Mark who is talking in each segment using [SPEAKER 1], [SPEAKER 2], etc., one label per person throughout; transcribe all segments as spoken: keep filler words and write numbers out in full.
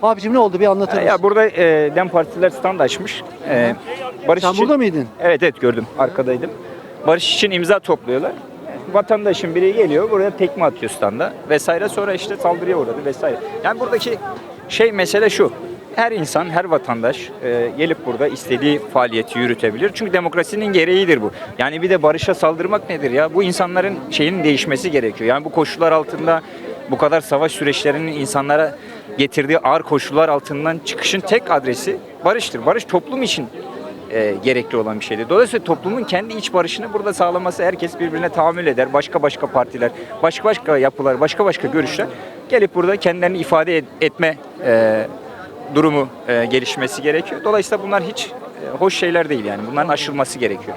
[SPEAKER 1] Abicim ne oldu bir anlatır mısın?
[SPEAKER 2] Ya burada e, Dem Partililer stand açmış. E, barış
[SPEAKER 1] Sen
[SPEAKER 2] için,
[SPEAKER 1] burada mıydın?
[SPEAKER 2] Evet evet gördüm. Arkadaydım. Barış için imza topluyorlar. Vatandaşın biri geliyor buraya tekme atıyor standa vesaire, sonra işte saldırıya uğradı vesaire. Yani buradaki şey mesele şu. Her insan, her vatandaş e, gelip burada istediği faaliyeti yürütebilir. Çünkü demokrasinin gereğidir bu. Yani bir de barışa saldırmak nedir ya? Bu insanların şeyinin değişmesi gerekiyor. Yani bu koşullar altında bu kadar savaş süreçlerinin insanlara getirdiği ağır koşullar altından çıkışın tek adresi barıştır. Barış toplum için e, gerekli olan bir şeydir. Dolayısıyla toplumun kendi iç barışını burada sağlaması, herkes birbirine tahammül eder. Başka başka partiler, başka başka yapılar, başka başka görüşler gelip burada kendilerini ifade et, etme e, durumu e, gelişmesi gerekiyor. Dolayısıyla bunlar hiç e, hoş şeyler değil yani. Bunların aşılması gerekiyor.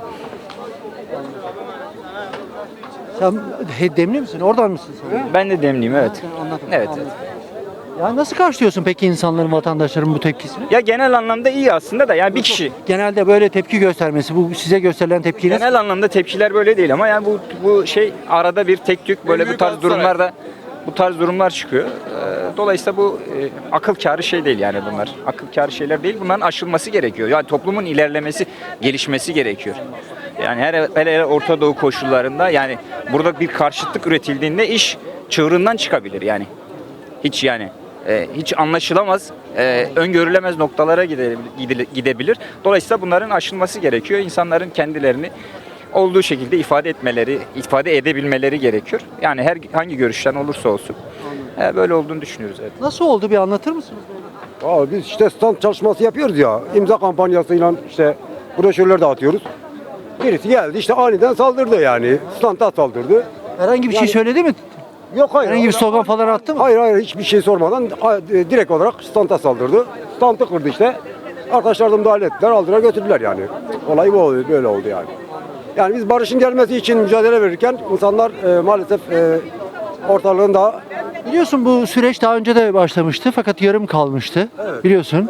[SPEAKER 1] Sen he, demli misin? Oradan mısın sen?
[SPEAKER 2] Ben de demliyim, evet.
[SPEAKER 1] Sen anladım.
[SPEAKER 2] Evet,
[SPEAKER 1] Anladım.
[SPEAKER 2] evet.
[SPEAKER 1] Ya nasıl karşılıyorsun peki insanların, vatandaşların bu tepkisini?
[SPEAKER 2] Ya genel anlamda iyi aslında da yani bir kişi.
[SPEAKER 1] Genelde böyle tepki göstermesi, bu size gösterilen tepki nasıl?
[SPEAKER 2] Genel anlamda tepkiler böyle değil ama yani bu bu şey arada bir tek tük böyle bu tarz durumlarda bu tarz durumlar çıkıyor. Ee, Dolayısıyla bu e, akıl kârı şey değil yani bunlar. Akıl kârı şeyler değil. Bunların aşılması gerekiyor. Yani toplumun ilerlemesi, gelişmesi gerekiyor. Yani her hele hele Orta Doğu koşullarında yani burada bir karşıtlık üretildiğinde iş çığırından çıkabilir yani. Hiç yani e, hiç anlaşılamaz, e, öngörülemez noktalara gide- gide- gidebilir. Dolayısıyla bunların aşılması gerekiyor. İnsanların kendilerini olduğu şekilde ifade etmeleri, ifade edebilmeleri gerekiyor. Yani her hangi görüşten olursa olsun. E, böyle olduğunu düşünüyoruz. Evet.
[SPEAKER 1] Nasıl oldu bir anlatır mısınız?
[SPEAKER 3] Abi biz işte stand çalışması yapıyoruz ya. İmza kampanyasıyla işte broşürler dağıtıyoruz. Birisi geldi işte aniden saldırdı yani. Standa saldırdı.
[SPEAKER 1] Herhangi bir şey
[SPEAKER 3] Yani-
[SPEAKER 1] söyledi mi?
[SPEAKER 3] Yok hayır.
[SPEAKER 1] Herhangi bir slogan falan attı mı?
[SPEAKER 3] Hayır hayır hiçbir şey sormadan a- e, direkt olarak standa saldırdı. Standı kırdı işte. Arkadaşlar da müdahale ettiler, aldılar götürdüler yani. Olay bu oldu, böyle oldu yani. Yani biz barışın gelmesi için mücadele verirken insanlar e, maalesef e, ortalığın daha
[SPEAKER 1] Biliyorsun bu süreç daha önce de başlamıştı fakat yarım kalmıştı. Biliyorsun.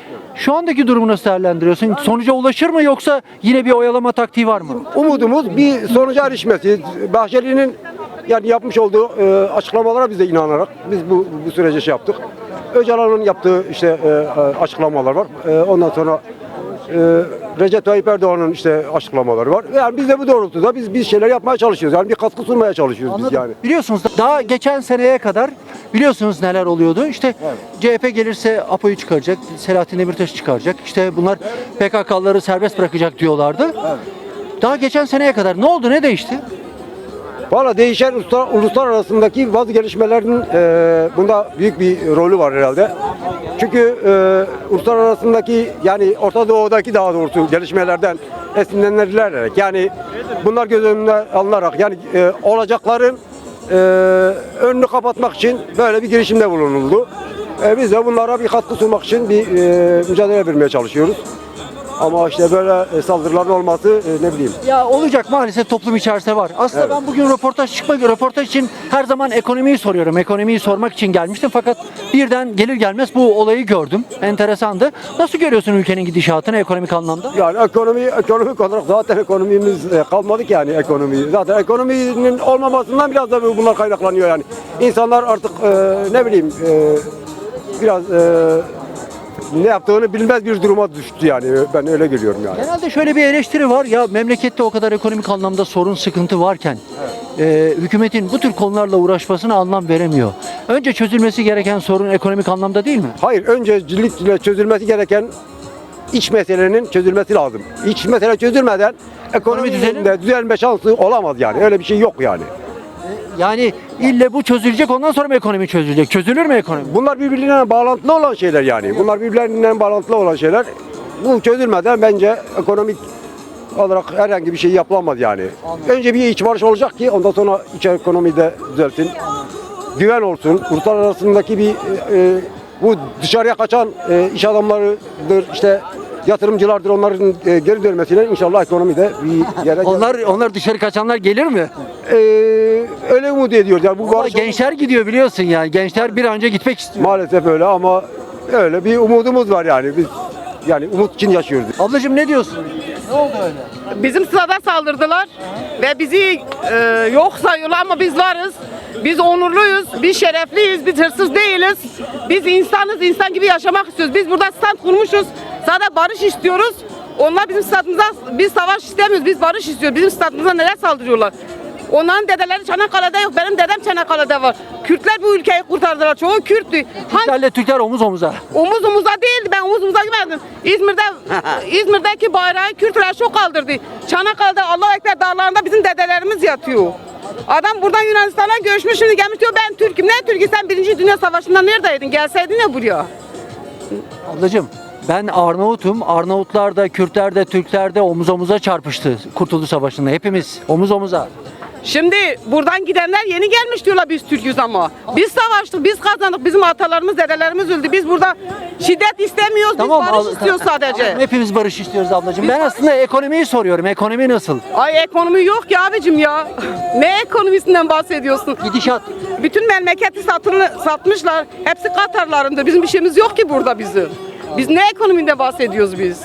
[SPEAKER 1] Şu andaki durumu nasıl değerlendiriyorsun? Sonuca ulaşır mı yoksa yine bir oyalama taktiği var mı?
[SPEAKER 3] umudumuz bir sonuca erişmesi. Bahçeli'nin yani yapmış olduğu e, açıklamalara biz de inanarak biz bu bu sürece şey yaptık. Öcalan'ın yaptığı işte e, e, açıklamalar var. E, ondan sonra e, Recep Tayyip Erdoğan'ın işte açıklamaları var. Yani biz de bu doğrultuda biz bir şeyler yapmaya çalışıyoruz. Yani bir katkı sunmaya çalışıyoruz biz
[SPEAKER 1] Anladım.
[SPEAKER 3] yani.
[SPEAKER 1] Biliyorsunuz daha geçen seneye kadar biliyorsunuz neler oluyordu. İşte C H P gelirse APO'yu çıkaracak, Selahattin Demirtaş'ı çıkaracak. İşte bunlar P K K'ları serbest bırakacak diyorlardı. Daha geçen seneye kadar ne oldu, ne değişti?
[SPEAKER 3] Valla değişen uluslar, uluslar arasındaki bazı gelişmelerin e, bunda büyük bir rolü var herhalde. Çünkü e, uluslar arasındaki yani Orta Doğu'daki daha doğrusu gelişmelerden esinlenilerek yani bunlar göz önüne alınarak yani e, olacakların e, önünü kapatmak için böyle bir girişimde bulunuldu. E, biz de bunlara bir katkı sunmak için bir e, mücadele vermeye çalışıyoruz. Ama işte böyle saldırıların olması e, ne bileyim.
[SPEAKER 1] Ya olacak, maalesef toplum içerisinde var. Aslında
[SPEAKER 3] Evet.
[SPEAKER 1] ben bugün röportaj çıkmak, röportaj için her zaman ekonomiyi soruyorum. Ekonomiyi sormak için gelmiştim fakat birden gelir gelmez bu olayı gördüm. Enteresandı. Nasıl görüyorsun ülkenin gidişatını ekonomik anlamda?
[SPEAKER 3] Yani ekonomi, ekonomik olarak zaten ekonomimiz e, kalmadı ki yani ekonomi. Zaten ekonominin olmamasından biraz da bunlar kaynaklanıyor yani. İnsanlar artık e, ne bileyim e, biraz e, ne yaptığını bilmez bir duruma düştü yani. Ben öyle görüyorum yani.
[SPEAKER 1] Genelde şöyle bir eleştiri var ya, memlekette o kadar ekonomik anlamda sorun, sıkıntı varken e, hükümetin bu tür konularla uğraşmasına anlam veremiyor. Önce çözülmesi gereken sorun ekonomik anlamda değil mi?
[SPEAKER 3] Hayır, öncelikle çözülmesi gereken iç meselenin çözülmesi lazım. İç mesele çözülmeden
[SPEAKER 1] Ekonomi düzelir
[SPEAKER 3] ekonominin de düzelme şansı olamaz yani. Öyle bir şey yok yani.
[SPEAKER 1] Yani ille bu çözülecek, ondan sonra mı ekonomi çözülecek? Çözülür mü ekonomi?
[SPEAKER 3] Bunlar birbirine bağlantılı olan şeyler yani. Bunlar birbirlerinden bağlantılı olan şeyler. Bu çözülmeden bence ekonomik olarak herhangi bir şey yapılamaz yani. Önce bir iç barış olacak ki ondan sonra iç ekonomi de düzelsin. Güven olsun. Uluslar arasındaki bir e, e, bu dışarıya kaçan e, iş adamlarıdır, işte yatırımcılardır, onların e, geri dönmesiyle inşallah ekonomide bir yere
[SPEAKER 1] Onlar onlar dışarı kaçanlar gelir mi?
[SPEAKER 3] e, öyle umut ediyoruz. Yani bu
[SPEAKER 1] Ama
[SPEAKER 3] barış
[SPEAKER 1] gençler gidiyor biliyorsun yani. Gençler bir an önce gitmek istiyor.
[SPEAKER 3] maalesef öyle ama öyle bir umudumuz var yani. Biz yani umut için yaşıyoruz.
[SPEAKER 1] Ablacığım ne diyorsun? Ne oldu öyle?
[SPEAKER 4] Bizim sırada saldırdılar ve bizi e, yok sayıyorlar ama biz varız. Biz onurluyuz, biz şerefliyiz, biz hırsız değiliz. Biz insanız, insan gibi yaşamak istiyoruz. Biz burada stand kurmuşuz. Sadece barış istiyoruz. Onlar bizim stadımıza, biz savaş istemiyoruz, biz barış istiyoruz. Bizim stadımıza neler saldırıyorlar? Onların dedeleri Çanakkale'de yok, benim dedem Çanakkale'de var. Kürtler bu ülkeyi kurtardılar, çoğu Kürttü. Hangi
[SPEAKER 1] Türklerle Türkler omuz omuza.
[SPEAKER 4] omuz omuza değildi, ben omuz omuza gitmedim. İzmir'de, İzmir'deki bayrağı Kürtler çok kaldırdı. Çanakkale'de Allahu Ekber dağlarında bizim dedelerimiz yatıyor. Adam buradan Yunanistan'a göçmüş, şimdi gelmiş diyor ben Türk'üm. Ne Türk'ü, sen Birinci Dünya Savaşı'nda neredeydin? Gelseydin ya buraya.
[SPEAKER 1] Ablacığım ben Arnavut'um. Arnavutlar da, Kürtler de, Türkler de omuz omuza çarpıştı Kurtuluş Savaşı'nda. Hepimiz omuz omuza.
[SPEAKER 4] Şimdi buradan gidenler yeni gelmiş diyorlar biz Türk'üz ama. Biz savaştık, biz kazandık, bizim atalarımız, dedelerimiz öldü. Biz burada şiddet istemiyoruz, biz barış
[SPEAKER 1] al-
[SPEAKER 4] istiyoruz sadece.
[SPEAKER 1] Tamam, hepimiz barış istiyoruz ablacığım. Ben aslında ekonomiyi soruyorum. Ekonomi nasıl?
[SPEAKER 4] Ay ekonomi yok ki abicim ya. Ne ekonomisinden bahsediyorsun?
[SPEAKER 1] Gidişat.
[SPEAKER 4] Bütün memleketi satını, satmışlar. Hepsi Katarlarında. Bizim bir şeyimiz yok ki burada bizim. Biz ne ekonomide bahsediyoruz biz?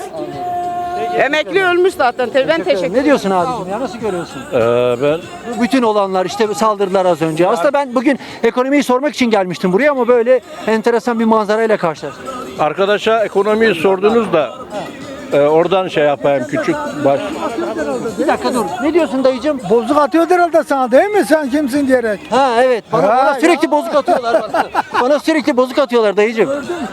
[SPEAKER 4] Emekli ölmüş zaten. Ben teşekkür ederim.
[SPEAKER 1] Ne diyorsun abicim ya? Nasıl görüyorsun?
[SPEAKER 5] Ee, ben
[SPEAKER 1] Bu bütün olanlar işte saldırılar az önce. Aslında ben bugün ekonomiyi sormak için gelmiştim buraya ama böyle enteresan bir manzarayla karşılaştım.
[SPEAKER 5] arkadaşa ekonomiyi sordunuz da e, oradan şey yapayım küçük baş.
[SPEAKER 1] Bir dakika dur. Ne diyorsun dayıcım?
[SPEAKER 6] Bozuk atıyor herhalde sana değil mi? Sen kimsin diyerek.
[SPEAKER 1] Ha evet. Bana,
[SPEAKER 6] Ha,
[SPEAKER 1] bana sürekli
[SPEAKER 6] ya.
[SPEAKER 1] bozuk atıyorlar. Bana, bana sürekli bozuk atıyorlar dayıcım.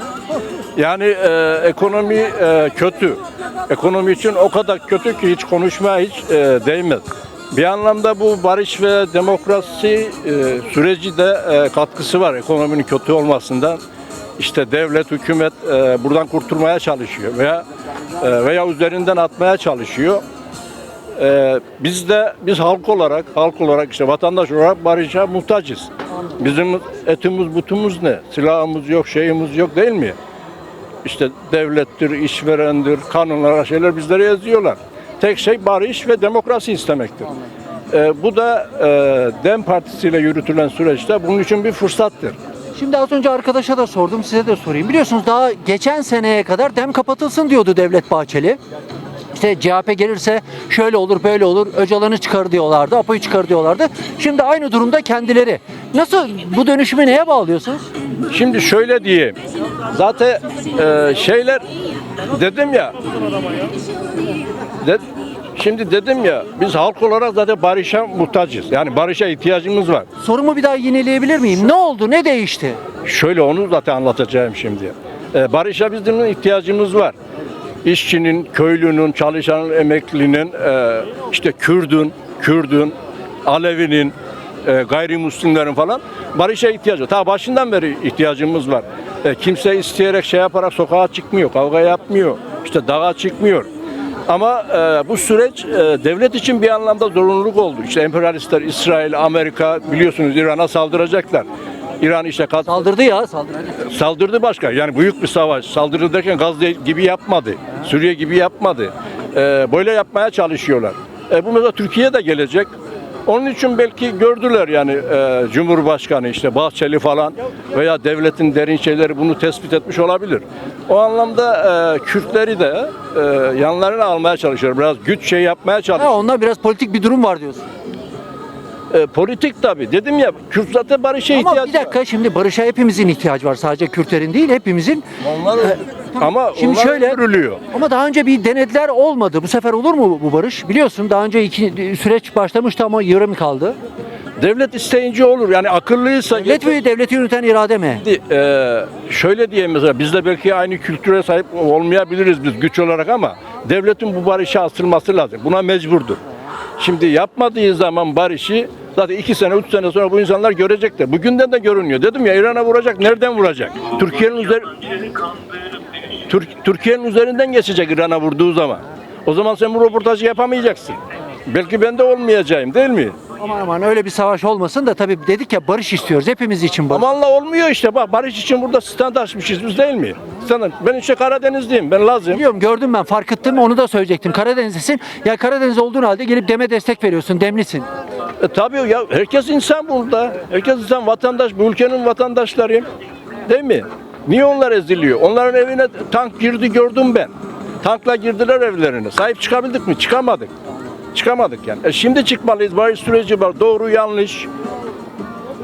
[SPEAKER 5] Yani e, ekonomi e, kötü. Ekonomi için o kadar kötü ki hiç konuşmaya hiç e, değmez. Bir anlamda bu barış ve demokrasi e, süreci de e, katkısı var ekonominin kötü olmasından. İşte devlet, hükümet e, buradan kurtulmaya çalışıyor veya e, veya üzerinden atmaya çalışıyor. E, biz de biz halk olarak, halk olarak işte vatandaş olarak barışa muhtacız. Bizim etimiz, butumuz ne? Silahımız yok, şeyimiz yok değil mi? İşte devlettir, işverendir, kanunlar, şeyler bizlere yazıyorlar. Tek şey barış ve demokrasi istemektir. E, bu da e, DEM Partisi ile yürütülen süreçte bunun için bir fırsattır.
[SPEAKER 1] Şimdi az önce arkadaşa da sordum, size de sorayım. Biliyorsunuz daha geçen seneye kadar dem kapatılsın diyordu Devlet Bahçeli. İşte C H P gelirse şöyle olur, böyle olur, Öcalan'ı çıkar diyorlardı, Apo'yu çıkar diyorlardı. Şimdi aynı durumda kendileri. Nasıl, bu dönüşümü neye bağlıyorsunuz?
[SPEAKER 5] Şimdi şöyle diyeyim. Zaten e, şeyler dedim ya. De, şimdi dedim ya biz halk olarak zaten barışa muhtacız. Yani barışa ihtiyacımız var.
[SPEAKER 1] Sorumu bir daha yineleyebilir miyim? Ne oldu, ne değişti?
[SPEAKER 5] Şöyle onu zaten anlatacağım şimdi. E, barışa bizim ihtiyacımız var. İşçinin, köylünün, çalışanın, emeklinin, e, işte Kürdün, Kürdün, Alevinin, e, gayrimüslimlerin falan barışa ihtiyacı var. Ta başından beri ihtiyacımız var. E, kimse isteyerek şey yaparak sokağa çıkmıyor, kavga yapmıyor, işte dağa çıkmıyor. Ama e, bu süreç e, devlet için bir anlamda zorunluluk oldu. İşte emperyalistler, İsrail, Amerika biliyorsunuz İran'a saldıracaklar. İran işte kat-
[SPEAKER 1] Saldırdı ya, saldırdı.
[SPEAKER 5] saldırdı başka. Yani büyük bir savaş. Saldırı derken Gazze gibi yapmadı. Suriye gibi yapmadı. Ee, böyle yapmaya çalışıyorlar. E, bu mesela Türkiye'ye de gelecek. Onun için belki gördüler yani e, Cumhurbaşkanı işte Bahçeli falan veya devletin derin şeyleri bunu tespit etmiş olabilir. O anlamda e, Kürtleri de e, yanlarına almaya çalışıyor. Biraz güç şey yapmaya çalışıyor.
[SPEAKER 1] Ha, onlar biraz politik bir durum var diyorsun.
[SPEAKER 5] E, politik tabii. Dedim ya Kürt zaten barışa
[SPEAKER 1] Ama
[SPEAKER 5] ihtiyacı
[SPEAKER 1] bir dakika, şimdi barışa hepimizin ihtiyacı var. Sadece Kürtlerin değil, hepimizin.
[SPEAKER 5] var. Onlar ama
[SPEAKER 1] Şimdi
[SPEAKER 5] onlar
[SPEAKER 1] şöyle,
[SPEAKER 5] öldürülüyor.
[SPEAKER 1] ama daha önce bir denediler, olmadı. Bu sefer olur mu bu barış? Biliyorsun daha önce iki süreç başlamıştı ama yarım kaldı.
[SPEAKER 5] Devlet isteyince olur. Yani akıllıysa
[SPEAKER 1] Devlet mi, devleti yöneten irade mi?
[SPEAKER 5] Ee, şöyle diyeyim mesela biz de belki aynı kültüre sahip olmayabiliriz biz güç olarak ama devletin bu barışa asılması lazım. Buna mecburdur. Şimdi yapmadığı zaman barışı zaten iki sene, üç sene sonra bu insanlar görecekler. Bugünden de görünüyor. Dedim ya İran'a vuracak. Nereden vuracak? Türkiye'nin üzeri Türk, Türkiye'nin üzerinden geçecek İran'a vurduğu zaman. O zaman sen bu röportajı yapamayacaksın. Belki ben de olmayacağım değil mi?
[SPEAKER 1] Aman aman öyle bir savaş olmasın da tabii dedik ya barış istiyoruz. Hepimiz için barış.
[SPEAKER 5] Amanla olmuyor işte bak barış için burada stand açmışız biz değil mi? Stand, ben işte Karadenizliyim ben Lazım.
[SPEAKER 1] Biliyorum, gördüm, ben fark ettim, onu da söyleyecektim. Karadenizlisin. Ya Karadeniz olduğun halde gelip deme destek veriyorsun. Demlisin.
[SPEAKER 5] E, tabii ya herkes insan burada. Herkes insan vatandaş bu ülkenin vatandaşları değil mi? Niye onlar eziliyor? Onların evine tank girdi gördüm ben. Tankla girdiler evlerine. Sahip çıkabildik mi? Çıkamadık. Çıkamadık yani. E şimdi çıkmalıyız. Barış süreci var. Doğru yanlış.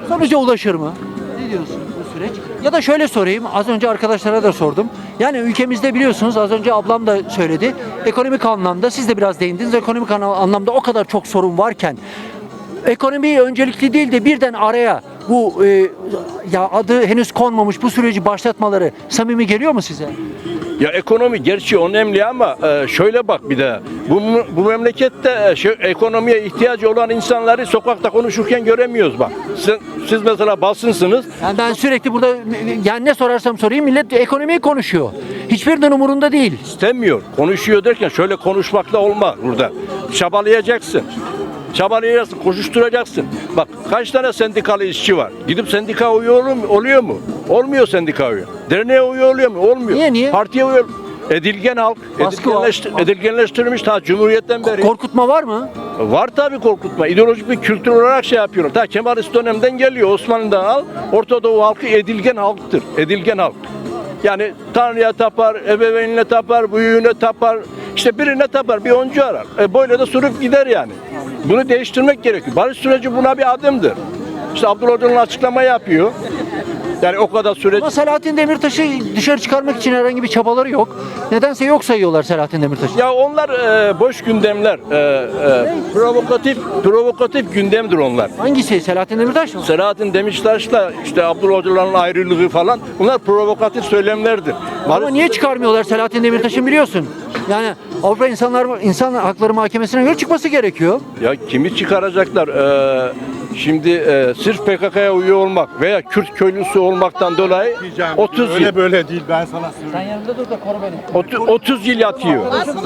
[SPEAKER 1] Sonuca ulaşır mı? Ne diyorsun bu süreç? Ya da şöyle sorayım, az önce arkadaşlara da sordum. Yani ülkemizde biliyorsunuz, az önce ablam da söyledi. Ekonomik anlamda, siz de biraz değindiniz, ekonomik ana- anlamda o kadar çok sorun varken ekonomiyi öncelikli değil de birden araya bu e, ya adı henüz konmamış bu süreci başlatmaları samimi geliyor mu size?
[SPEAKER 5] Ya ekonomi gerçi önemli ama e, şöyle bak bir de bu bu memlekette e, şu ekonomiye ihtiyacı olan insanları sokakta konuşurken göremiyoruz bak. Siz, siz mesela basınsınız.
[SPEAKER 1] Yani ben sürekli burada yani ne sorarsam sorayım millet ekonomiyi konuşuyor. Hiçbirinin umurunda değil.
[SPEAKER 5] İstemiyor. Konuşuyor derken şöyle konuşmakla olmaz burada. Çabalayacaksın. Çabalayacaksın, koşuşturacaksın. Bak kaç tane sendikalı işçi var. Gidip sendika üye oluyor mu? Oluyor mu? Olmuyor sendika üye. Derneğe üye oluyor mu? Olmuyor.
[SPEAKER 1] Niye, niye?
[SPEAKER 5] Partiye üye Edilgen halk,
[SPEAKER 1] Baskı var.
[SPEAKER 5] edilgenleştir, edilgenleştirilmiş ta Cumhuriyet'ten beri.
[SPEAKER 1] Korkutma var mı?
[SPEAKER 5] Var tabii korkutma. İdeolojik bir kültür olarak şey yapıyorlar. Ta Kemalist dönemden geliyor. Osmanlı'dan al. Orta Doğu halkı edilgen halktır. Edilgen halk. Yani Tanrı'ya tapar, ebeveynine tapar, büyüğüne tapar. İşte birine tapar, bir oncu arar. E böyle de sürüp gider yani. Bunu değiştirmek gerekiyor. Barış süreci buna bir adımdır. İşte Abdullah Öcalan açıklama yapıyor. Yani o kadar süreç.
[SPEAKER 1] Ama Selahattin Demirtaş'ı dışarı çıkarmak için herhangi bir çabaları yok. Nedense yok sayıyorlar Selahattin Demirtaş'ı.
[SPEAKER 5] Ya onlar e, boş gündemler. E, e, provokatif provokatif gündemdir onlar.
[SPEAKER 1] Hangisi? Selahattin Demirtaş mı?
[SPEAKER 5] Selahattin Demirtaş'la işte Abdullah Öcalan'ın ayrılığı falan bunlar provokatif söylemlerdir.
[SPEAKER 1] Ama
[SPEAKER 5] Barış-
[SPEAKER 1] niye çıkarmıyorlar Selahattin Demirtaş'ın biliyorsun? Yani Avrupa İnsanlar İnsan Hakları Mahkemesi'ne göre çıkması gerekiyor.
[SPEAKER 5] Ya kimi çıkaracaklar? Ee, şimdi e, sırf P K K'ya üye olmak veya Kürt köylüsü olmaktan dolayı otuz
[SPEAKER 7] Öyle
[SPEAKER 5] yıl
[SPEAKER 7] böyle değil ben sana söyleyeyim.
[SPEAKER 1] Sen yanında dur da koru beni.
[SPEAKER 5] otu- otuz yıl yatıyor.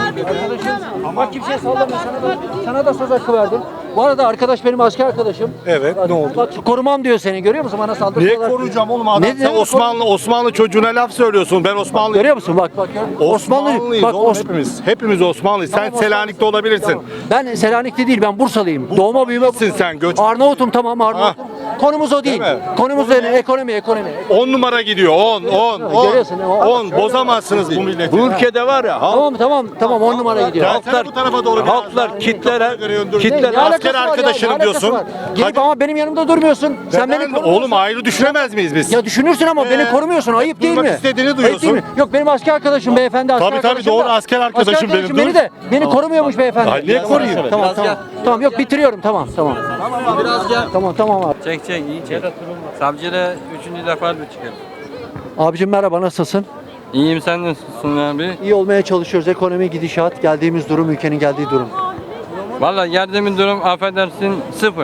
[SPEAKER 1] Bak kimseye sallama, sana da, sana da söz hakkı verdim. Bu arada arkadaş benim asker arkadaşım.
[SPEAKER 7] Evet,
[SPEAKER 1] Bak,
[SPEAKER 7] ne oldu?
[SPEAKER 1] Bak korumam diyor seni, görüyor musun? Bana saldırıyorlar.
[SPEAKER 7] Niye koruyacağım oğlum adam?
[SPEAKER 1] Ne-
[SPEAKER 7] Sen
[SPEAKER 1] ne-
[SPEAKER 7] Osmanlı Osmanlı çocuğuna laf söylüyorsun. Ben Osmanlı.
[SPEAKER 1] Görüyor musun? Bak bak. gör.
[SPEAKER 7] Osmanlıyız
[SPEAKER 1] bak,
[SPEAKER 7] oğlum
[SPEAKER 1] Os-
[SPEAKER 7] hepimiz. Hepimiz Osmanlıyız.
[SPEAKER 1] Tamam,
[SPEAKER 7] Sen Selanik'te olabilirsin.
[SPEAKER 1] Tamam. Ben Selanik'te değil, ben Bursalıyım. Doğma büyüme.
[SPEAKER 7] Bursalısın sen, göç-
[SPEAKER 1] Arnavut'um, tamam Arnavut'um. Konumuz o değil.
[SPEAKER 7] Değil mi?
[SPEAKER 1] Konumuz ne? Ekonomi, ekonomi.
[SPEAKER 7] on numara gidiyor. on, on, on.
[SPEAKER 1] Görüyorsun, o-
[SPEAKER 7] on. Bozamazsınız bu milleti.
[SPEAKER 5] Bu ülkede var ya halk-
[SPEAKER 1] Tamam tamam tamam on numara gidiyor.
[SPEAKER 7] Gel
[SPEAKER 5] halklar
[SPEAKER 7] sen bu tarafa doğru biraz
[SPEAKER 5] halklar
[SPEAKER 7] daha.
[SPEAKER 5] kitlere
[SPEAKER 7] Ne-
[SPEAKER 5] kitler
[SPEAKER 1] Ne alakası
[SPEAKER 7] asker
[SPEAKER 1] var ya?
[SPEAKER 7] arkadaşınım
[SPEAKER 1] Ne alakası
[SPEAKER 7] diyorsun.
[SPEAKER 1] var? Gelip
[SPEAKER 7] Hadi.
[SPEAKER 1] ama benim yanımda durmuyorsun. Sen beni
[SPEAKER 7] Neden?
[SPEAKER 1] korumuyorsun.
[SPEAKER 7] Oğlum ayrı düşünemez miyiz biz?
[SPEAKER 1] Ya düşünürsün ama
[SPEAKER 7] Ee,
[SPEAKER 1] beni korumuyorsun. Ayıp değil mi?
[SPEAKER 7] duymak istediğini
[SPEAKER 1] Ayıp
[SPEAKER 7] duyuyorsun.
[SPEAKER 1] değil mi? Yok benim asker arkadaşım beyefendi asker
[SPEAKER 7] Tabii, tabii,
[SPEAKER 1] arkadaşım
[SPEAKER 7] doğru,
[SPEAKER 1] da-
[SPEAKER 7] asker arkadaşım benim,
[SPEAKER 1] beni
[SPEAKER 7] dur.
[SPEAKER 1] de beni korumuyormuş beyefendi.
[SPEAKER 7] Ay, niye koruyayım?
[SPEAKER 1] Tamam tamam. Tamam yok bitiriyorum tamam tamam.
[SPEAKER 8] Biraz gel.
[SPEAKER 1] Tamam tamam abi.
[SPEAKER 8] Çek çek iyi çek. Savcıyla üçüncü defa bir çıkalım.
[SPEAKER 1] Abicim merhaba, nasılsın?
[SPEAKER 8] İyiyim, sen nasılsın abi?
[SPEAKER 1] İyi olmaya çalışıyoruz. Ekonomi gidişat, geldiğimiz durum, ülkenin geldiği durum.
[SPEAKER 8] Vallahi geldiğimiz durum affedersin sıfır.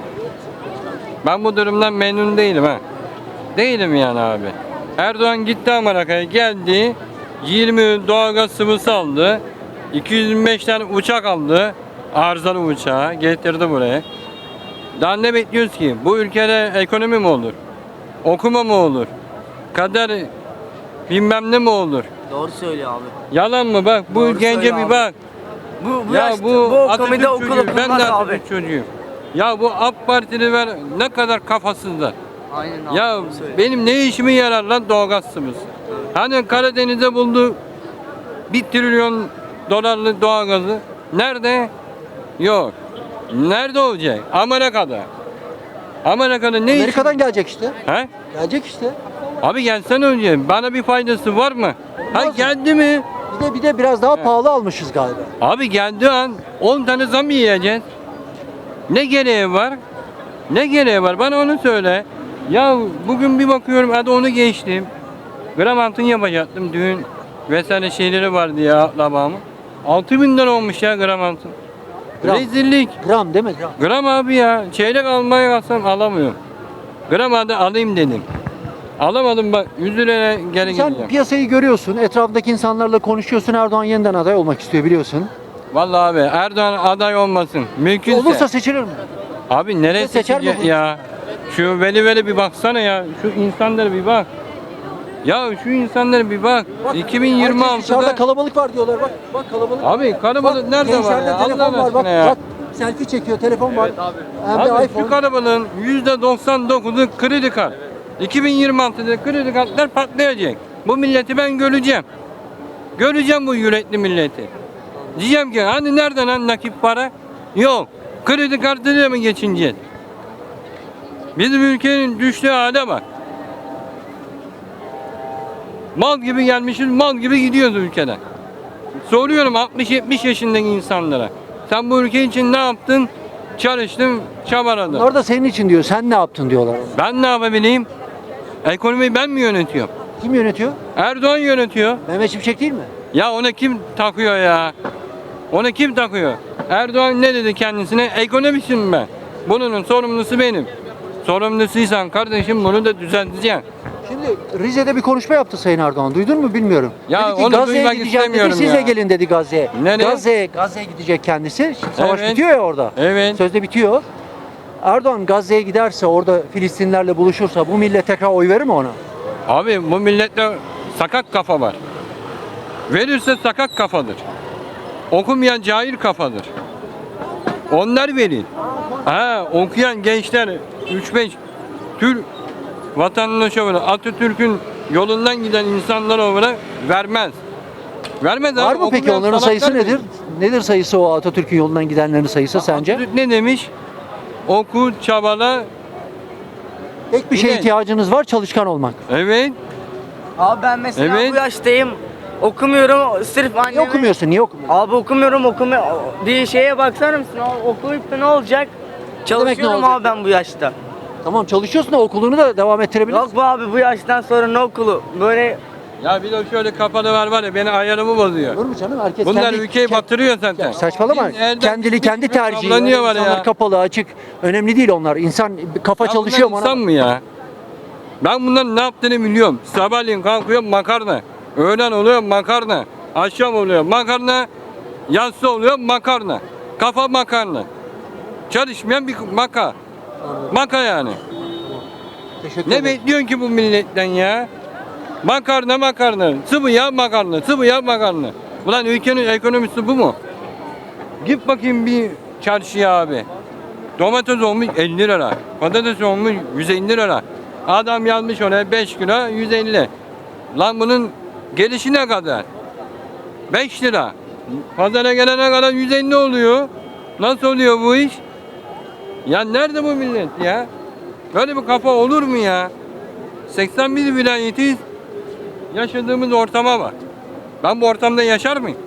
[SPEAKER 8] Ben bu durumdan memnun değilim ha. Değilim yani abi. Erdoğan gitti Amerika'ya geldi. yirmi doğalgaz sıvısı aldı. iki yüz yirmi beş tane uçak aldı. Arızalı uçağı getirdi buraya. Daha ne bekliyoruz ki? Bu ülkede ekonomi mi olur? Okuma mı olur? Kader bilmem ne mi olur?
[SPEAKER 9] Doğru söylüyor abi.
[SPEAKER 8] Yalan mı bak? Bu
[SPEAKER 9] Doğru
[SPEAKER 8] gence
[SPEAKER 9] söyle
[SPEAKER 8] bir
[SPEAKER 9] abi.
[SPEAKER 8] bak.
[SPEAKER 9] Bu, bu,
[SPEAKER 8] Ya
[SPEAKER 9] yaşta-
[SPEAKER 8] bu,
[SPEAKER 9] bu
[SPEAKER 8] Atatürk
[SPEAKER 9] komide okulu
[SPEAKER 8] çocuğu. Ben de
[SPEAKER 9] bulmaz
[SPEAKER 8] Atatürk
[SPEAKER 9] abi.
[SPEAKER 8] çocuğuyum. Ya bu AK Partililer ne kadar kafasızlar.
[SPEAKER 9] Aynen abi.
[SPEAKER 8] Ya
[SPEAKER 9] doğru söylüyor.
[SPEAKER 8] benim ne işime yarar lan doğalgaz sıvısı? Hani Karadeniz'de buldu bir trilyon dolarlık doğalgazı. Nerede? Yok. Nerede olacak? Amerika'da. Amerika'da ne iş?
[SPEAKER 1] Amerika'dan gelecek işte.
[SPEAKER 8] He?
[SPEAKER 1] Gelecek işte.
[SPEAKER 8] Abi gelsen önce bana bir faydası var mı? Ha
[SPEAKER 1] Olmaz.
[SPEAKER 8] geldi mi?
[SPEAKER 1] Bir de bir de biraz daha pahalı almışız galiba.
[SPEAKER 8] Abi geldiği an on tane zam yiyeceğiz. Ne gereği var? Ne gereği var? Bana onu söyle. Ya bugün bir bakıyorum hadi onu geçtim. Gram altın yapacaktım düğün vesaire şeyleri vardı ya labamı. altı bin lira olmuş ya gram altın.
[SPEAKER 1] Gram.
[SPEAKER 8] Rezillik.
[SPEAKER 1] Gram değil mi? Gram.
[SPEAKER 8] Gram abi ya. Çeyrek almaya kalksam alamıyorum. Gram hadi alayım dedim. Alamadım bak yüz liraya geri
[SPEAKER 1] Sen
[SPEAKER 8] gideceğim.
[SPEAKER 1] piyasayı görüyorsun, etrafındaki insanlarla konuşuyorsun. Erdoğan yeniden aday olmak istiyor biliyorsun.
[SPEAKER 8] Vallahi abi Erdoğan aday olmasın. Mümkünse.
[SPEAKER 1] Olursa seçilir mi?
[SPEAKER 8] Abi nereye
[SPEAKER 1] seçer mi
[SPEAKER 8] seçecek
[SPEAKER 1] bu?
[SPEAKER 8] ya? Şu veli veli bir baksana ya. Şu insanlara bir bak. Ya şu insanlara bir bak. iki bin yirmi
[SPEAKER 1] Herkes dışarıda
[SPEAKER 8] altıda
[SPEAKER 1] kalabalık var diyorlar. Bak bak kalabalık.
[SPEAKER 8] Abi kalabalık
[SPEAKER 1] Bak,
[SPEAKER 8] nerede var
[SPEAKER 1] gençlerde
[SPEAKER 8] ya?
[SPEAKER 1] telefon
[SPEAKER 8] Allah
[SPEAKER 1] var. Bak,
[SPEAKER 8] aşkına ya.
[SPEAKER 1] bak selfie çekiyor, telefon var. Hem de
[SPEAKER 8] Abi
[SPEAKER 1] iPhone.
[SPEAKER 8] şu kalabalığın yüzde doksan dokuzu kredi kart. iki bin yirmi altıda kredi kartlar patlayacak. Bu milleti ben göreceğim. Göreceğim bu yürekli milleti. Diyeceğim ki hani nereden lan nakit para? Yok. Kredi kartıyla mı geçineceğiz? Bizim ülkenin düştüğü hale bak. Mal gibi gelmişiz, mal gibi gidiyoruz ülkeden. Soruyorum altmış yetmiş yaşındaki insanlara. Sen bu ülke için ne yaptın? Çalıştın, çabaladın.
[SPEAKER 1] Onlar da senin için diyor. Sen ne yaptın diyorlar.
[SPEAKER 8] Ben ne yapabileyim? Ekonomiyi ben mi yönetiyorum?
[SPEAKER 1] Kim yönetiyor?
[SPEAKER 8] Erdoğan yönetiyor.
[SPEAKER 1] Mehmet Şimşek değil mi?
[SPEAKER 8] Ya ona kim takıyor ya? Ona kim takıyor? Erdoğan ne dedi kendisine? Ekonomistim ben. Bunun sorumlusu benim. Sorumlusuysan kardeşim bunu da düzelteceksin.
[SPEAKER 1] Şimdi Rize'de bir konuşma yaptı Sayın Erdoğan. Duydun mu bilmiyorum.
[SPEAKER 8] Ya
[SPEAKER 1] dedi ki
[SPEAKER 8] onu
[SPEAKER 1] Gazze'ye
[SPEAKER 8] duymak
[SPEAKER 1] gideceğim dedi.
[SPEAKER 8] istemiyorum
[SPEAKER 1] Siz de
[SPEAKER 8] ya.
[SPEAKER 1] gelin dedi Gazze'ye.
[SPEAKER 8] Nereye?
[SPEAKER 1] Gazze'ye Gazze'ye gidecek kendisi. Şimdi savaş
[SPEAKER 8] Evet.
[SPEAKER 1] bitiyor ya orada.
[SPEAKER 8] Evet.
[SPEAKER 1] Sözde bitiyor. Erdoğan Gazze'ye giderse orada Filistinlerle buluşursa bu millet tekrar oy verir mi ona?
[SPEAKER 8] Abi bu millette sakat kafa var. Verirse sakat kafadır. Okumayan cahil kafadır. Onlar verin. Ha, okuyan gençler üç beş Türk vatandaşı olarak Atatürk'ün yolundan giden insanlar olarak vermez. Vermez
[SPEAKER 1] Var
[SPEAKER 8] abi,
[SPEAKER 1] mı peki
[SPEAKER 8] okumayan
[SPEAKER 1] onların
[SPEAKER 8] salaklar
[SPEAKER 1] sayısı
[SPEAKER 8] verir.
[SPEAKER 1] nedir? Nedir sayısı o Atatürk'ün yolundan gidenlerin sayısı sence?
[SPEAKER 8] Atatürk ne demiş? Oku, çabala.
[SPEAKER 1] Tek bir şeye
[SPEAKER 8] Evet.
[SPEAKER 1] ihtiyacınız var, çalışkan olmak.
[SPEAKER 8] Evet.
[SPEAKER 9] Abi ben mesela
[SPEAKER 8] Evet.
[SPEAKER 9] bu yaştayım. Okumuyorum sırf
[SPEAKER 1] Niye
[SPEAKER 9] anneme.
[SPEAKER 1] okumuyorsun? Niye okumuyorsun?
[SPEAKER 9] Abi okumuyorum okumuyor. Bir şeye baksana mısın? Abi okuyup da ne olacak? Çalışıyorum
[SPEAKER 1] olacak?
[SPEAKER 9] abi ben bu yaşta.
[SPEAKER 1] Tamam çalışıyorsun da okulunu da devam ettirebilirsin.
[SPEAKER 9] Yok bu abi bu yaştan sonra ne okulu? Böyle
[SPEAKER 8] Ya bir de şöyle kafanı var var ya beni ayarımı bozuyor.
[SPEAKER 1] Olur mu canım? Herkes
[SPEAKER 8] Bunlar
[SPEAKER 1] kendi,
[SPEAKER 8] ülkeyi
[SPEAKER 1] ke-
[SPEAKER 8] batırıyor zaten.
[SPEAKER 1] Ya saçmalama.
[SPEAKER 8] Biz elden
[SPEAKER 1] Kendili
[SPEAKER 8] gitmiş
[SPEAKER 1] kendi
[SPEAKER 8] gibi
[SPEAKER 1] tercihi.
[SPEAKER 8] sallanıyor var
[SPEAKER 1] İnsanlar
[SPEAKER 8] ya.
[SPEAKER 1] kapalı, açık. Önemli değil onlar. İnsan kafa
[SPEAKER 8] Ya
[SPEAKER 1] çalışıyor mu
[SPEAKER 8] bunlar
[SPEAKER 1] ona?
[SPEAKER 8] insan mı ya? Ben bunların ne yaptığını biliyorum. Sabahleyin kalkıyor makarna. Öğlen oluyor makarna. Akşam oluyor makarna. Yatsı oluyor makarna. Kafa makarna. Çalışmayan bir maka. Maka yani.
[SPEAKER 1] Teşekkür
[SPEAKER 8] Ne
[SPEAKER 1] ederim.
[SPEAKER 8] bekliyorsun ki bu milletten ya? Makarna makarna. Sıvı yağ makarna. Sıvı yağ makarna. Ulan ülkenin ekonomisi bu mu? Git bakayım bir çarşıya abi. Domates olmuş elli lira. Patates olmuş yüz elli lira. Adam yazmış oraya beş kilo yüz elli. Lan bunun gelişi ne kadar? beş lira. Pazara gelene kadar yüz elli oluyor. Nasıl oluyor bu iş? Ya nerede bu millet ya? Böyle bir kafa olur mu ya? seksen bir vilayetiyiz. Yaşadığımız ortama bak. Ben bu ortamda yaşar mıyım?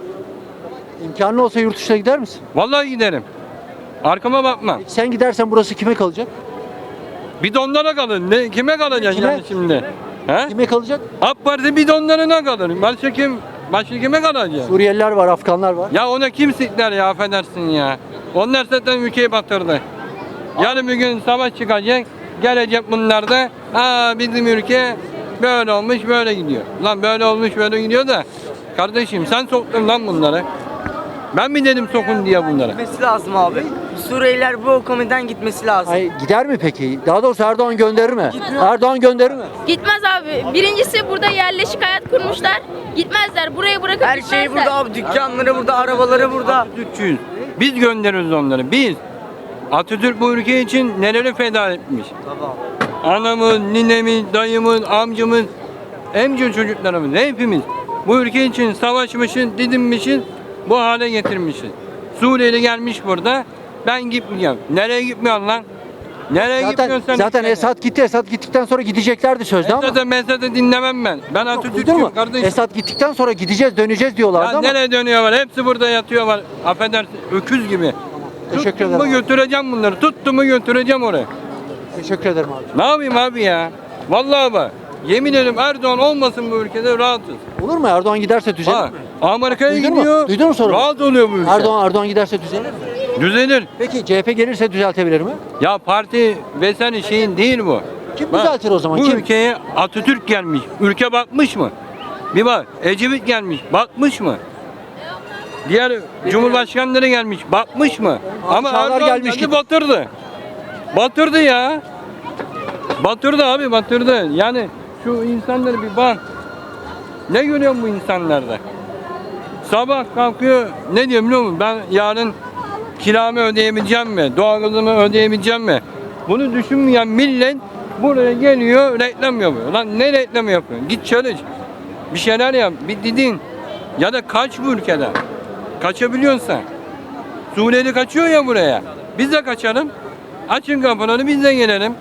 [SPEAKER 1] İmkanı olsa yurt dışına gider misin?
[SPEAKER 8] Vallahi giderim. Arkama bakmam.
[SPEAKER 1] Sen gidersen burası kime kalacak?
[SPEAKER 8] Bidonlara kalır. Ne, kime kalacaksın
[SPEAKER 1] Kime?
[SPEAKER 8] yani şimdi? He?
[SPEAKER 1] Kime kalacak?
[SPEAKER 8] AK Parti bidonlarına kalır. Başka kim? Başka kime kalacak?
[SPEAKER 1] Suriyeliler var, Afganlar var.
[SPEAKER 8] Ya ona kim sikler ya affedersin ya. Onlar zaten ülkeyi batırdı. Yarın bir gün savaş çıkacak. Gelecek bunlar da. Aa bizim ülke böyle olmuş böyle gidiyor. Lan böyle olmuş böyle gidiyor da. Kardeşim sen soktun lan bunları. Ben mi dedim sokun diye bunlara?
[SPEAKER 9] gitmesi lazım abi. Suriyeliler bu komiden gitmesi lazım.
[SPEAKER 1] Ay, gider mi peki? Daha doğrusu Erdoğan gönderir mi? Erdoğan gönderir mi?
[SPEAKER 10] Gitmez abi. Birincisi burada yerleşik hayat kurmuşlar. Gitmezler. Burayı bırakıp
[SPEAKER 9] Her
[SPEAKER 10] gitmezler.
[SPEAKER 9] şey burada abi. Dükkanları burada, arabaları burada.
[SPEAKER 8] Atatürkçüyüz. Biz gönderiyoruz onları. Biz. Atatürk bu ülke için neleri feda etmiş.
[SPEAKER 9] Tamam.
[SPEAKER 8] Anamız, ninemiz, dayımız, amcamız, emci çocuklarımız hepimiz bu ülke için savaşmışız, didinmişiz, bu hale getirmişiz. Suriyeli gelmiş burada, ben gitmeyeceğim. Nereye gitmiyorsun lan? Nereye
[SPEAKER 1] Zaten,
[SPEAKER 8] gitmiyorsun sen?
[SPEAKER 1] zaten
[SPEAKER 8] ülkene?
[SPEAKER 1] Esad gitti. Esad gittikten sonra gideceklerdi sözde ama.
[SPEAKER 8] Esad'ı Mesad'ı dinlemem ben. Ben
[SPEAKER 1] Duydun
[SPEAKER 8] Atatürk'üm
[SPEAKER 1] mu?
[SPEAKER 8] kardeşim.
[SPEAKER 1] Esad gittikten sonra gideceğiz, döneceğiz diyorlardı
[SPEAKER 8] Ya
[SPEAKER 1] ama.
[SPEAKER 8] nereye dönüyorlar? Hepsi burada yatıyorlar. Affedersin, öküz gibi.
[SPEAKER 1] Teşekkür
[SPEAKER 8] Tuttum
[SPEAKER 1] ederim
[SPEAKER 8] mu
[SPEAKER 1] abi.
[SPEAKER 8] götüreceğim bunları. Tuttum mu götüreceğim oraya.
[SPEAKER 1] Teşekkür ederim abi.
[SPEAKER 8] Ne yapayım abi ya? Vallahi bak. Yemin ederim Erdoğan olmasın bu ülkede rahatız.
[SPEAKER 1] Olur mu? Erdoğan giderse düzelir
[SPEAKER 8] Ha,
[SPEAKER 1] mi?
[SPEAKER 8] Amerika'ya
[SPEAKER 1] Duydun mu?
[SPEAKER 8] gidiyor.
[SPEAKER 1] Duydun mu sorumu?
[SPEAKER 8] Rahat oluyor bu ülke.
[SPEAKER 1] Erdoğan Erdoğan giderse düzelir mi?
[SPEAKER 8] Düzelir.
[SPEAKER 1] Peki C H P gelirse düzeltebilir mi?
[SPEAKER 8] Ya parti vesaire şeyin değil bu.
[SPEAKER 1] Kim
[SPEAKER 8] Bak,
[SPEAKER 1] düzeltir o zaman?
[SPEAKER 8] Bu
[SPEAKER 1] Kim?
[SPEAKER 8] ülkeye Atatürk gelmiş. Ülke batmış mı? Bir bak. Ecevit gelmiş. Batmış mı? Diğer cumhurbaşkanları gelmiş. Batmış mı? Ama
[SPEAKER 1] Padişahlar
[SPEAKER 8] Erdoğan
[SPEAKER 1] gelmiş
[SPEAKER 8] geldi
[SPEAKER 1] gibi.
[SPEAKER 8] batırdı. Batırdı ya. Batırdı abi batırdı. Yani şu insanları bir bak. Ne görüyorsun bu insanlarda? Sabah kalkıyor ne diyor biliyor musun? Ben yarın kiramı ödeyebileceğim mi? Doğalgazımı ödeyebileceğim mi? Bunu düşünmeyen millet buraya geliyor reklam yapıyor. Lan ne reklam yapıyorsun? Git çalış. Bir şeyler yap. Bir didin. Ya da kaç bu ülkeden. Kaçabiliyorsun sen. Suriyeli kaçıyor ya buraya. Biz de kaçalım. Açın kapıları biz de gelelim.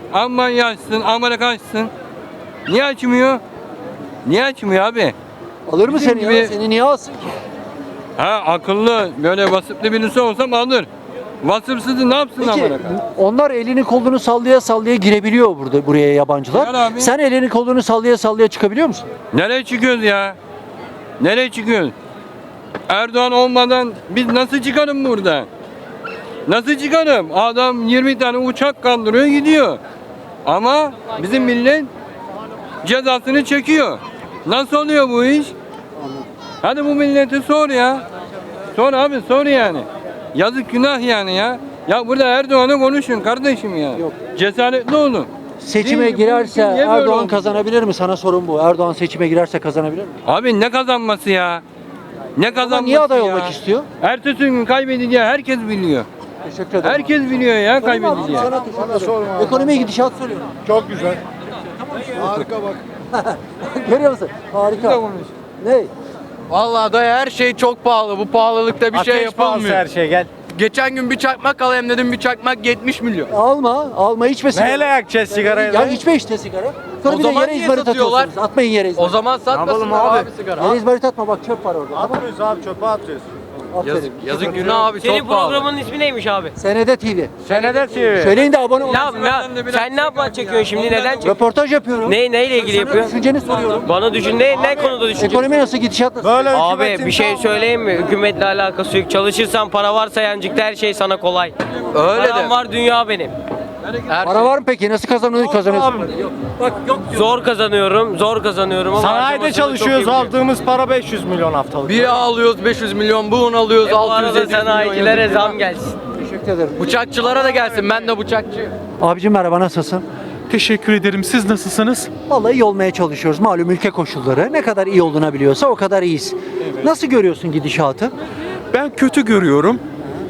[SPEAKER 8] Almanya açsın, Amerika açsın. Niye açmıyor? Niye açmıyor abi?
[SPEAKER 1] Alır mı
[SPEAKER 8] Bizim
[SPEAKER 1] seni ya?
[SPEAKER 8] gibi-
[SPEAKER 1] Seni niye alsın ki?
[SPEAKER 8] Ha akıllı, böyle vasıflı birisi olsam alır. Vasıfsızı ne yapsın
[SPEAKER 1] Peki
[SPEAKER 8] Amerika?
[SPEAKER 1] onlar elini kolunu sallaya sallaya girebiliyor burada buraya yabancılar.
[SPEAKER 8] Gel abi.
[SPEAKER 1] Sen elini kolunu sallaya sallaya çıkabiliyor musun?
[SPEAKER 8] Nereye çıkıyoruz ya? Nereye çıkıyoruz? Erdoğan olmadan biz nasıl çıkarım burada? Nasıl çıkarım? Adam yirmi tane uçak kaldırıyor gidiyor. Ama bizim millet cezasını çekiyor. Nasıl oluyor bu iş? Hadi bu milleti sor ya. Sor abi sor yani. Yazık günah yani ya. Ya burada Erdoğan'ı konuşun kardeşim ya.
[SPEAKER 1] Yok.
[SPEAKER 8] Cesaretli olun.
[SPEAKER 1] Seçime
[SPEAKER 8] Değil, bu
[SPEAKER 1] girerse
[SPEAKER 8] ülke niye böyle
[SPEAKER 1] Erdoğan
[SPEAKER 8] oldu?
[SPEAKER 1] kazanabilir mi? Sana sorun bu. Erdoğan seçime girerse kazanabilir mi?
[SPEAKER 8] Abi ne kazanması ya? Ne kazanması
[SPEAKER 1] niye aday
[SPEAKER 8] ya?
[SPEAKER 1] olmak istiyor?
[SPEAKER 8] Ertesi gün kaybedeceği herkes biliyor.
[SPEAKER 1] Teşekkür ederim.
[SPEAKER 8] Herkes biliyor ya
[SPEAKER 1] Sorayım abi,
[SPEAKER 8] kaybedeceği.
[SPEAKER 1] sana teşekkür ederim. Ekonomi gidişat soruyorum.
[SPEAKER 7] Çok güzel. Harika bak.
[SPEAKER 1] Görüyor musun? Harika. Ne?
[SPEAKER 11] Vallahi dayı her şey çok pahalı. Bu pahalılıkta bir şey yapılmıyor.
[SPEAKER 7] her şey gel.
[SPEAKER 11] Geçen gün bir çakmak alayım dedim. Bir çakmak yetmiş milyon.
[SPEAKER 1] Alma, alma içme sigara.
[SPEAKER 7] Neyle yakacağız sigarayı?
[SPEAKER 1] Ya içme işte sigara. Sonra
[SPEAKER 11] O
[SPEAKER 1] bir de
[SPEAKER 11] zaman
[SPEAKER 1] yere
[SPEAKER 11] niye
[SPEAKER 1] izmarit
[SPEAKER 11] satıyorlar?
[SPEAKER 1] atıyorsunuz. Atmayın yere izmarit.
[SPEAKER 11] O zaman satmasınlar
[SPEAKER 7] abi?
[SPEAKER 11] abi, sigara.
[SPEAKER 1] Yere izmarit atma bak çöp var orada. Tamam.
[SPEAKER 7] Atmıyoruz abi çöpe atıyoruz.
[SPEAKER 1] Aferin.
[SPEAKER 11] Yazık, yazık günah abi
[SPEAKER 9] Senin
[SPEAKER 11] çok pahalı.
[SPEAKER 9] programın ismi neymiş abi?
[SPEAKER 1] Senede T V.
[SPEAKER 7] Senede T V.
[SPEAKER 1] Söyleyin de abone olun.
[SPEAKER 9] Ya, ya sen ne yapma çekiyorsun şimdi? Neden çekiyorsun?
[SPEAKER 1] Röportaj yapıyorum.
[SPEAKER 9] Ne neyle ilgili
[SPEAKER 1] Sana
[SPEAKER 9] yapıyorsun?
[SPEAKER 1] düşünceni soruyorum.
[SPEAKER 9] Bana düşün ne ne konuda düşüneceksin?
[SPEAKER 1] Ekonomi nasıl, gidişat nasıl?
[SPEAKER 7] Böyle
[SPEAKER 9] Abi
[SPEAKER 7] hükümetin
[SPEAKER 9] bir şey
[SPEAKER 7] tam-
[SPEAKER 9] söyleyeyim mi? Hükümetle alakası yok. Çalışırsan para varsa yancıkta her şey sana kolay.
[SPEAKER 11] Öyle
[SPEAKER 9] Param
[SPEAKER 11] de.
[SPEAKER 9] var dünya benim.
[SPEAKER 11] Her
[SPEAKER 1] Para var mı peki? Nasıl kazanıyorsun? kazanıyorsun?
[SPEAKER 9] Zor kazanıyorum, zor kazanıyorum ama
[SPEAKER 7] Sanayide
[SPEAKER 9] harcamasını
[SPEAKER 7] çalışıyoruz.
[SPEAKER 9] çok iyi biliyorum.
[SPEAKER 7] Aldığımız para beş yüz milyon haftalık.
[SPEAKER 11] Bir alıyoruz beş yüz milyon, bu un alıyoruz
[SPEAKER 9] E bu
[SPEAKER 11] altı yüz
[SPEAKER 9] arada
[SPEAKER 11] yedi yüz milyon.
[SPEAKER 9] sanayicilere
[SPEAKER 11] yazık
[SPEAKER 9] zam
[SPEAKER 11] günah.
[SPEAKER 9] gelsin.
[SPEAKER 1] Teşekkür ederim.
[SPEAKER 11] Bıçakçılara da gelsin. Ben de bıçakçıyım.
[SPEAKER 1] Abicim merhaba, nasılsın?
[SPEAKER 12] Teşekkür ederim. Siz nasılsınız?
[SPEAKER 1] Vallahi iyi olmaya çalışıyoruz. Malum ülke koşulları. Ne kadar iyi olunabiliyorsa o kadar iyiyiz. Nasıl görüyorsun gidişatı?
[SPEAKER 12] Ben kötü görüyorum.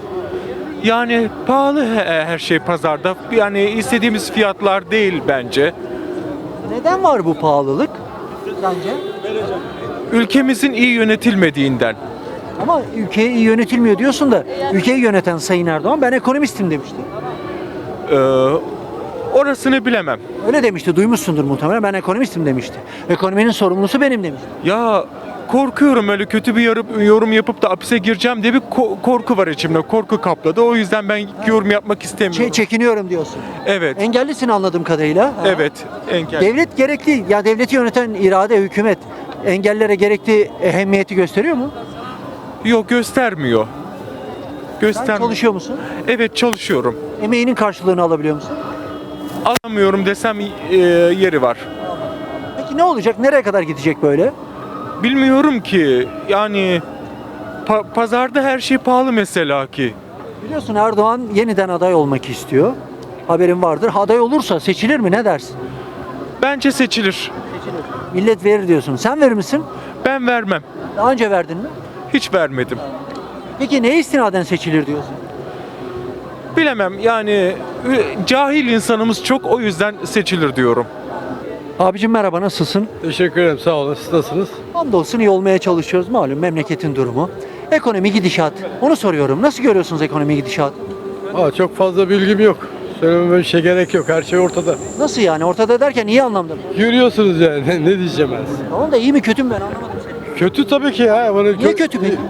[SPEAKER 12] Yani pahalı he- her şey pazarda. Yani istediğimiz fiyatlar değil bence.
[SPEAKER 1] Neden var bu pahalılık sence?
[SPEAKER 12] Ülkemizin iyi yönetilmediğinden.
[SPEAKER 1] Ama ülke iyi yönetilmiyor diyorsun da ülkeyi yöneten Sayın Erdoğan ben ekonomistim demişti.
[SPEAKER 12] Ee, orasını bilemem.
[SPEAKER 1] Öyle demişti, duymuşsundur muhtemelen. Ben ekonomistim demişti. Ekonominin sorumlusu benim demişti.
[SPEAKER 12] Ya korkuyorum, öyle kötü bir yorum, yorum yapıp da hapise gireceğim diye bir ko- korku var içimde. Korku kapladı. O yüzden ben yorum yapmak istemiyorum.
[SPEAKER 1] Çe- çekiniyorum diyorsun.
[SPEAKER 12] Evet.
[SPEAKER 1] Engellisin anladığım kadarıyla.
[SPEAKER 12] Evet. Engel.
[SPEAKER 1] Devlet gerekli, ya devleti yöneten irade, hükümet engellere gerekli ehemmiyeti gösteriyor mu?
[SPEAKER 12] Yok, göstermiyor.
[SPEAKER 1] Sen
[SPEAKER 12] Göstermiyor.
[SPEAKER 1] çalışıyor musun?
[SPEAKER 12] Evet, çalışıyorum.
[SPEAKER 1] Emeğinin karşılığını alabiliyor musun?
[SPEAKER 12] Alamıyorum desem e, yeri var.
[SPEAKER 1] Peki ne olacak? Nereye kadar gidecek böyle?
[SPEAKER 12] Bilmiyorum ki. Yani pa- pazarda her şey pahalı mesela ki.
[SPEAKER 1] Biliyorsun Erdoğan yeniden aday olmak istiyor. Haberin vardır. Aday olursa seçilir mi? Ne dersin?
[SPEAKER 12] Bence seçilir.
[SPEAKER 1] Millet verir diyorsun. Sen verir misin?
[SPEAKER 12] Ben vermem.
[SPEAKER 1] Daha önce verdin mi?
[SPEAKER 12] Hiç vermedim.
[SPEAKER 1] Peki neye istinaden seçilir diyorsun?
[SPEAKER 12] Bilemem yani e, cahil insanımız çok, o yüzden seçilir diyorum.
[SPEAKER 1] Abicim merhaba, nasılsın?
[SPEAKER 5] Teşekkür ederim, sağ olun. Siz nasılsınız?
[SPEAKER 1] Hamdolsun iyi olmaya çalışıyoruz. Malum memleketin durumu. Ekonomi gidişat. Onu soruyorum. Nasıl görüyorsunuz ekonomi gidişat?
[SPEAKER 5] Aa, çok fazla bilgim yok. Söylememe bir şey gerek yok. Her şey ortada.
[SPEAKER 1] Nasıl yani? Ortada derken iyi anlamda mı?
[SPEAKER 5] Görüyorsunuz yani. Ne, ne diyeceğim ben size?
[SPEAKER 1] Tamam da iyi mi kötü mü ben anlamadım seni.
[SPEAKER 5] Kötü tabii ki ya. Bunu
[SPEAKER 1] Niye kötü peki?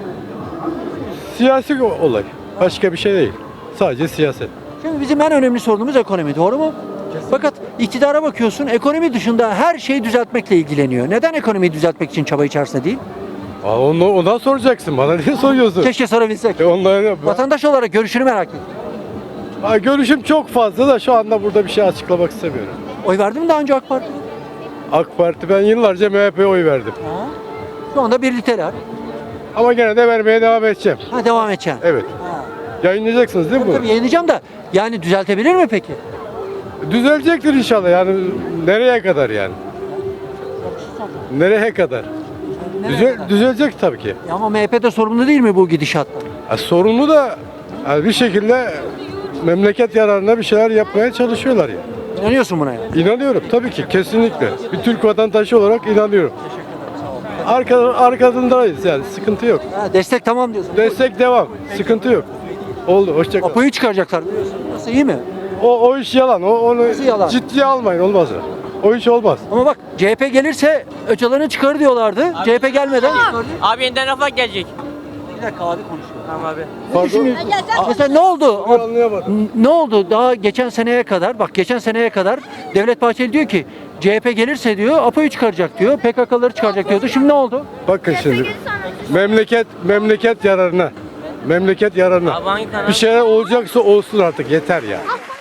[SPEAKER 5] Siyasi olay. Başka bir şey değil. Sadece siyaset.
[SPEAKER 1] Şimdi bizim en önemli sorunumuz ekonomi, doğru mu? Fakat iktidara bakıyorsun, ekonomi dışında her şeyi düzeltmekle ilgileniyor. Neden ekonomiyi düzeltmek için çaba içerisinde değil?
[SPEAKER 5] Aa, onu, ondan soracaksın. Bana niye soruyorsun?
[SPEAKER 1] Keşke sorabilsek.
[SPEAKER 5] E ondan,
[SPEAKER 1] Vatandaş olarak görüşünü merak ettim.
[SPEAKER 5] Aa, görüşüm çok fazla da şu anda burada bir şey açıklamak istemiyorum.
[SPEAKER 1] Oy verdin mi daha önce AK Parti?
[SPEAKER 5] AK Parti, ben yıllarca M H P'ye oy verdim.
[SPEAKER 1] Ha. Şu anda birlikteler.
[SPEAKER 5] Ama gene de vermeye devam edeceğim.
[SPEAKER 1] Ha, devam edeceksin.
[SPEAKER 5] Evet.
[SPEAKER 1] Ha.
[SPEAKER 5] Yayınlayacaksınız değil mi
[SPEAKER 1] Tabii, tabii
[SPEAKER 5] bunu?
[SPEAKER 1] yayınlayacağım da yani düzeltebilir mi peki?
[SPEAKER 5] Düzelecektir inşallah yani. Nereye kadar yani? Nereye kadar?
[SPEAKER 1] Nereye
[SPEAKER 5] Düzel,
[SPEAKER 1] kadar?
[SPEAKER 5] düzelecek tabii ki.
[SPEAKER 1] Ya ama M H P de sorumlu değil mi bu gidişattan?
[SPEAKER 5] Ya sorunlu da yani bir şekilde memleket yararına bir şeyler yapmaya çalışıyorlar ya.
[SPEAKER 1] İnanıyorsun buna yani.
[SPEAKER 5] İnanıyorum tabii ki, kesinlikle. Bir Türk vatandaşı olarak inanıyorum. Arka, arkasındayız yani, sıkıntı yok.
[SPEAKER 1] Ha, destek tamam diyorsun.
[SPEAKER 5] Destek devam, sıkıntı yok. Oldu, hoşça kal.
[SPEAKER 1] Apo'yu çıkaracaklar biliyorsun. Nasıl, iyi mi?
[SPEAKER 3] O, o iş yalan. O, onu
[SPEAKER 1] Nasıl yalan?
[SPEAKER 3] ciddiye almayın, olmaz. O iş olmaz.
[SPEAKER 1] Ama bak C H P gelirse Öcalan'ı çıkarır diyorlardı. C H P gelmeden çıkardı.
[SPEAKER 9] Abi yeniden Refah gelecek.
[SPEAKER 1] Bir dakika abi konuşuyor.
[SPEAKER 9] Tamam abi.
[SPEAKER 1] Ne düşünüyorsun? Mesela ne oldu?
[SPEAKER 3] Anlayamadım.
[SPEAKER 1] Ne oldu? Daha geçen seneye kadar, bak geçen seneye kadar Devlet Bahçeli diyor ki C H P gelirse diyor APO'yu çıkaracak diyor. P K K'ları çıkaracak diyordu. Şimdi ne oldu?
[SPEAKER 3] Bakın şimdi. Memleket memleket yararına. Memleket yararına.
[SPEAKER 9] Abi hangi kanal?
[SPEAKER 3] Bir şeyler olacaksa olsun artık, yeter ya.